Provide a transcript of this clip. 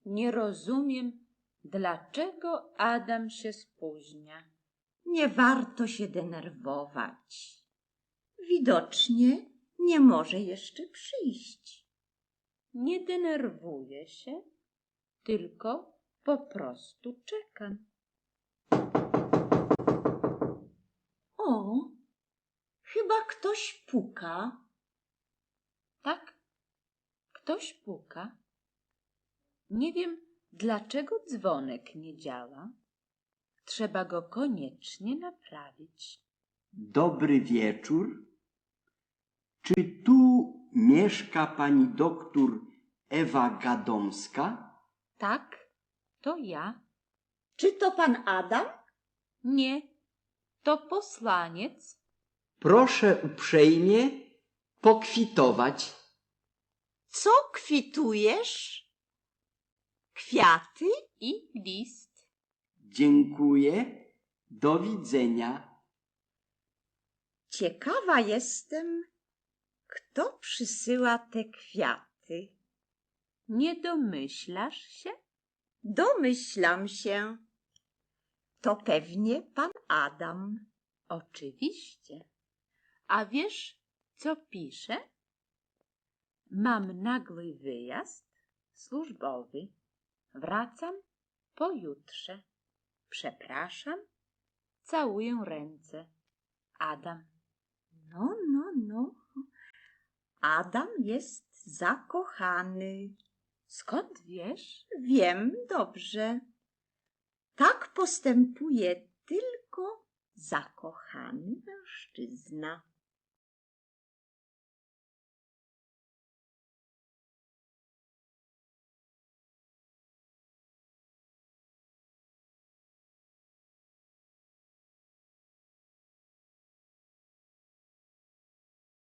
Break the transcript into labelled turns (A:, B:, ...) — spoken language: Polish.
A: Nie rozumiem, dlaczego Adam się spóźnia.
B: Nie warto się denerwować. Widocznie nie może jeszcze przyjść.
A: Nie denerwuję się, tylko po prostu czekam.
B: O, chyba ktoś puka.
A: Tak, ktoś puka. Nie wiem, dlaczego dzwonek nie działa. Trzeba go koniecznie naprawić.
C: Dobry wieczór. Czy tu mieszka pani doktor Ewa Gadomska?
A: Tak, to ja.
B: Czy to pan Adam?
A: Nie, to poslaniec.
C: Proszę uprzejmie pokwitować.
B: Co kwitujesz? Kwiaty?
A: I list.
C: Dziękuję. Do widzenia.
B: Ciekawa jestem, kto przysyła te kwiaty.
A: Nie domyślasz się?
B: Domyślam się. To pewnie pan Adam.
A: Oczywiście. A wiesz, co pisze? Mam nagły wyjazd służbowy. Wracam pojutrze. Przepraszam. Całuję ręce. Adam.
B: No. Adam jest zakochany.
A: Skąd wiesz?
B: Wiem dobrze. Tak postępuje tylko zakochany mężczyzna.